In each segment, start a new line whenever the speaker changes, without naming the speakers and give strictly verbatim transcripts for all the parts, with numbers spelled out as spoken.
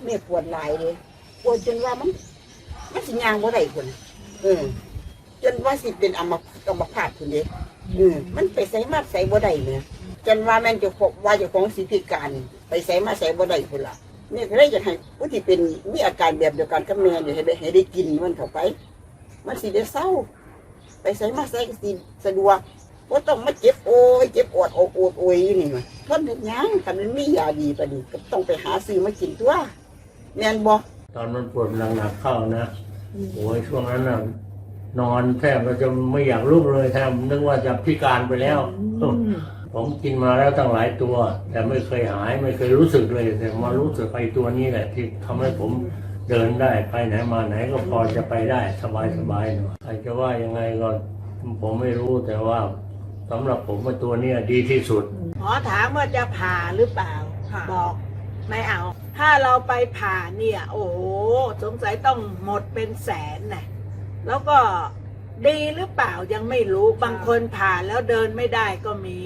แม่ปวดหลายเลยปวดจนว่ามันมันสิยางบ่ได้คนเออจนว่าสิเป็นอัมอัมพาตคนเดียวเออมันไปใส่มาใส่บ่ได้เนี่ยจนว่าแม่นจะขบว่าเจ้าของสิพิการไปใส่มาใส่บ่ได้คนละแม่ก็เลยอยากให้ผู้ที่เป็นมีอาการแบบเดียวกันกับแม่เนี่ยให้ได้ให้ได้กินมันเข้าไปมันสิได้เศร้าไปใส่มาใส่ก็สิสะดวกว่าต้องมาเจ็บโอยเจ็บอดโอดโอดโอยอยู่นี่มันทนทุกอย่างถ้ามันมียาดีปะนี่ก็ต้องไปหาซื้อมากินตัวแม่นบ่
ตอนมันปวดหนักๆเข้านะโอ้ยช่วงนั้นน่ะนอนแทบจะไม่อยากลุกเลยแทบนึกว่าจะพิการไปแล้วผมกินมาแล้วตั้งหลายตัว แต่ไม่เคยหายไม่เคยรู้สึกเลยแต่มารู้สึกไอ้ตัวนี้แหละที่ทำให้ผมเดินได้ไปไหนมาไหนก็พอจะไปได้สบายสบายหน่อยใครจะว่ายังไงก็ผมไม่รู้แต่ว่าสำหรับผมว่าตัวนี้ดีที่สุด
หมอถามว่าจะผ่าหรือเปล่าบอกไม่เอาถ้าเราไปผ่าเนี่ยโอ้โหสงสัยต้องหมดเป็นแสนนะแล้วก็ดีหรือเปล่ายังไม่รู้บางคนผ่าแล้วเดินไม่ได้ก็มี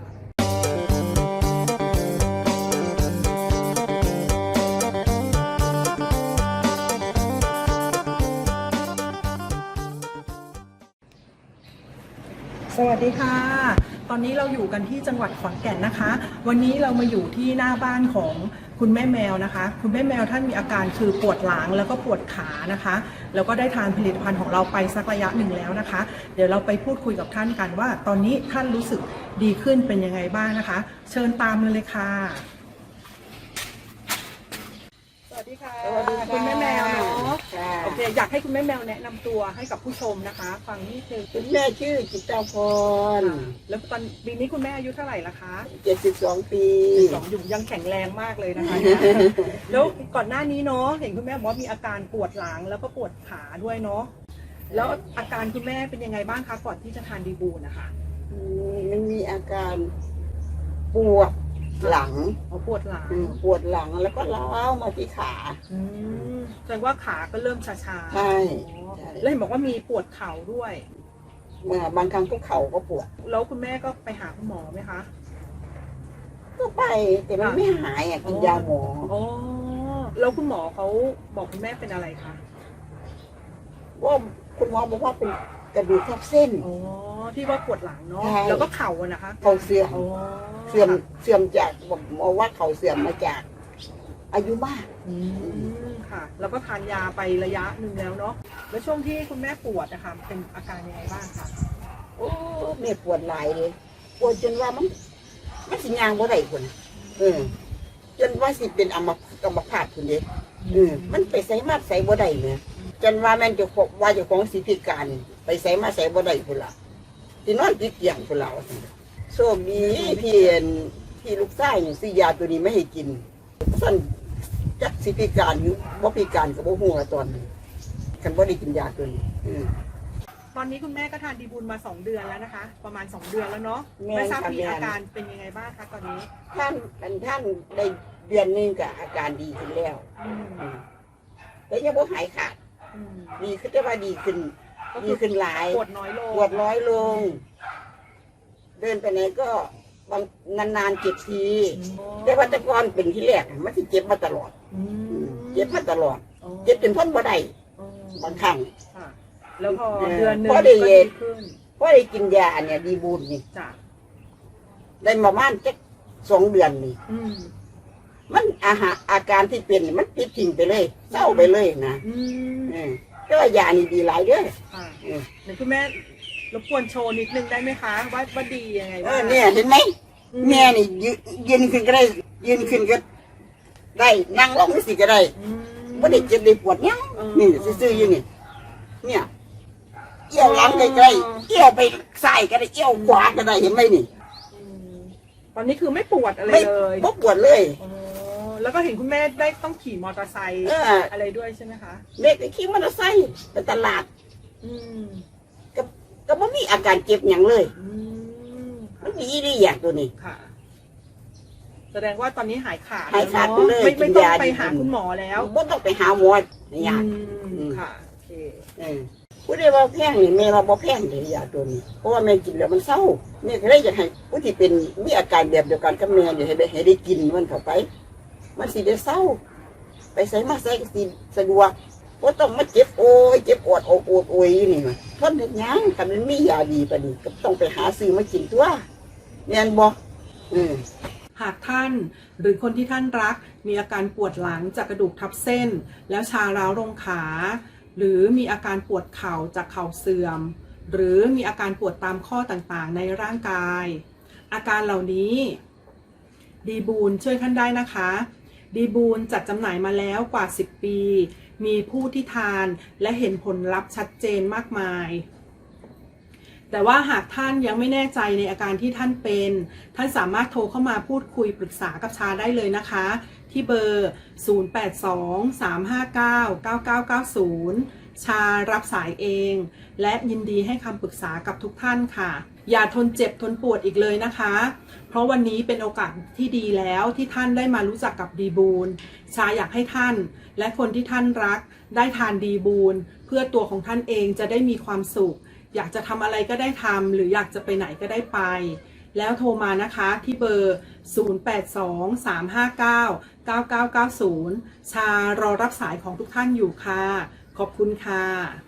สวัสดีค่ะตอนนี้เราอยู่กันที่จังหวัดขอนแก่นนะคะวันนี้เรามาอยู่ที่หน้าบ้านของคุณแม่แมวนะคะคุณแม่แมวท่านมีอาการคือปวดหลังแล้วก็ปวดขานะคะแล้วก็ได้ทานผลิตภัณฑ์ของเราไปสักระยะหนึ่งแล้วนะคะเดี๋ยวเราไปพูดคุยกับท่านกันว่าตอนนี้ท่านรู้สึกดีขึ้นเป็นยังไงบ้างนะคะเชิญตามเลยค่ะสวัสดีค่ะคุณแม่แมวเนาะโอเคอยากให้คุณแม่แมวแนะนำตัวให้กับผู้ชมนะคะฟังนิดนึง
คุณแม่ชื่อจิตตาพร
แล้วตอนปีนี้คุณแม่อายุเท่าไหร่ละคะ
เจ็ดสิบสองปี
สองอยู่ยังแข็งแรงมากเลยนะคะแล้วก่อนหน้านี้เนาะเห็นคุณแม่บอกว่ามีอาการปวดหลังแล้วก็ปวดขาด้วยเนาะแล้วอาการคุณแม่เป็นยังไงบ้างคะก่อนที่จะทานดีบูนะคะ
มันมีอาการปวดหลัง
ปวดหลัง
ปวดหลังแล้วก็ล้าวมาที่ขา
แสดงว่าขาก็เริ่มชา
ๆใช่
แล้วเห็นบอกว่ามีปวดเข่าด้วย
เมื่อบางครั้งก็เข่าก็ปวด
แล้วคุณแม่ก็ไปหาคุณหมอไหมคะ
ก็ไปแต่มันไม่หายอ่ะกินยาหมอ
อ๋อแล้วคุณหมอเขาบอกคุณแม่เป็นอะไรคะ
ว่าคุณหมอบอกว่าเป็นกระดูกทับเส้น
อ๋อที่ว่าปวดหลังเนาะแล้วก็เข่าอะนะคะ
เข่าเสื่อมเสื่อมเสื่อมจากบอกหมอว่าเข่าเสื่อมมาจากอายุมาก
อืมค่ะแล้วก็ทานยาไประยะหนึ่งแล้วเนาะแล้วช่วงที่คุณแม่ปวดนะคะเป็นอาการยังไงบ้างคะ
โอ้แม่ปวดหลายเลยปวดจนว่ามันมันสิยางบ่ได้คนเออจนว่าสิเป็นอัมอัมพาตคนเดียวเออมันไปใส่มาใส่บ่ได้เนี่ยจนว่าแม่นจะขบว่าเจ้าของสิพิการไปใส่มาใส่บ่ได้คนละที่นอนติดเตียงคนเราโชคดีพี่พี่ลูกชายซื้อยาตัวนี้ไม่ให้กินสั้นจักสิพิการหรือบ่พิการกับบ่ฮู้ตอนนี้คันบ่ได้กินยาตัวนี้
ตอนนี้คุณแม่ก็ทานดีบุญมาสองเดือนแล้วนะคะประมาณสองเดือนแล้วเนาะไม่ทราบมีอาการเป็นยังไงบ้างคะตอนนี้
ท่านท่านได้เดือนนึงก็อาการดีขึ้นแล้วแต่ยังบ่หายขาดดีขึ้นแต่ว่าดีขึ้นดีขึ้นหลาย
ปวดน้อยลง
ปวดน้อยลงเดินไปไหนก็บางนานๆเจ็บทีแต่ว่าแต่ก่อนเป็นที่แรกมันที่เจ็บมาตลอดเจ็บมาตลอดเจ็บจนทนบ่ได้บางครั้ง
แล้วพอเดือนนึงก็ดีขึ้น
พอได้กินยาเนี่ยดีบูนนี่ได้มาบ้านแค่สองเดือนนี่มันอาหารอาการที่เป็นมันปิดทิ้งไปเลยเศร้าไปเลยนะก็ยานี่ดีหลายเด้อ
เดี๋ยวคุณแม่รบกวนโชว์นิดนึงได้ไหมคะว่าว่าดียังไงบ้าง
เนี่ยเห็นไหมแม่นี่ยืนขึ้นก็ได้ยืนขึ้นก็ได้นั่งลงสิก็ได้ไม่ได้เจ็บได้ปวดเนี้ยนี่ซื่อๆอยู่นี่เนี่ยเอี้ยวหลังใกล้ๆเอี้ยวไปซ้ายก็ได้เอี้ยวขวาก็ได้เห็นไหมนี่
ตอนนี้คือไม่ปวดอะไรเลย
ไม่ปวดเลย
แล้วก็เห็นคุณแม่ได้ต้องขี่มอเตอร์ไซค์อะไรด้วยใช่ไหมคะ
เด็กขี่มอเตอร์ไซค์ไปตลาดก็ก็ไม่มีอาการเจ็บอย่างเลยมันดีดีอย่างตัวนี้
ค่ะแสดงว่าตอนนี้หายขาด
หายขาดไปเลย
ไม่ไม่ต้องไปหาคุณหมอแล้ว
ไม่ต้องไปหาหมอเนี่ย
ค่ะโอเค
ผู้ใดว่าแพงนี่แม่ว่าบ่แพงเลยยาตัวนี้เพราะว่าแม่กินแล้วมันเศร้าแม่ก็เลยอยากให้ผู้ที่เป็นมีอาการแบบเดียวกันกับแม่เนี่ยให้ได้ให้ได้กินมันเข้าไปมันสิได้เศร้าไปใส่มาใส่ก็สิสะดวกบ่ต้องมาเจ็บโอยเจ็บอดโอดโอดโอยนี่มันทนเฮ็ดหยังคันมันมียาดีปานนี้ก็ต้องไปหาซื้อมากินตัวแม่นบ่อืม
หากท่านหรือคนที่ท่านรักมีอาการปวดหลังจากกระดูกทับเส้นแล้วชาร้าวลงขาหรือมีอาการปวดเข่าจากเข่าเสื่อมหรือมีอาการปวดตามข้อต่างๆในร่างกายอาการเหล่านี้ดีบูนช่วยท่านได้นะคะดีบูนจัดจำหน่ายมาแล้วกว่าสิบปีมีผู้ที่ทานและเห็นผลลัพธ์ชัดเจนมากมายแต่ว่าหากท่านยังไม่แน่ใจในอาการที่ท่านเป็นท่านสามารถโทรเข้ามาพูดคุยปรึกษากับชาได้เลยนะคะที่เบอร์ ศูนย์ แปด สอง สาม ห้า เก้า เก้า เก้า เก้า ศูนย์ ชารับสายเองและยินดีให้คำปรึกษากับทุกท่านค่ะอย่าทนเจ็บทนปวดอีกเลยนะคะเพราะวันนี้เป็นโอกาสที่ดีแล้วที่ท่านได้มารู้จักกับดีบูนชาอยากให้ท่านและคนที่ท่านรักได้ทานดีบูนเพื่อตัวของท่านเองจะได้มีความสุขอยากจะทำอะไรก็ได้ทำหรืออยากจะไปไหนก็ได้ไปแล้วโทรมานะคะที่เบอร์ ศูนย์ แปด สอง สาม ห้า เก้า เก้า เก้า เก้า ศูนย์ ชารอรับสายของทุกท่านอยู่ค่ะขอบคุณค่ะ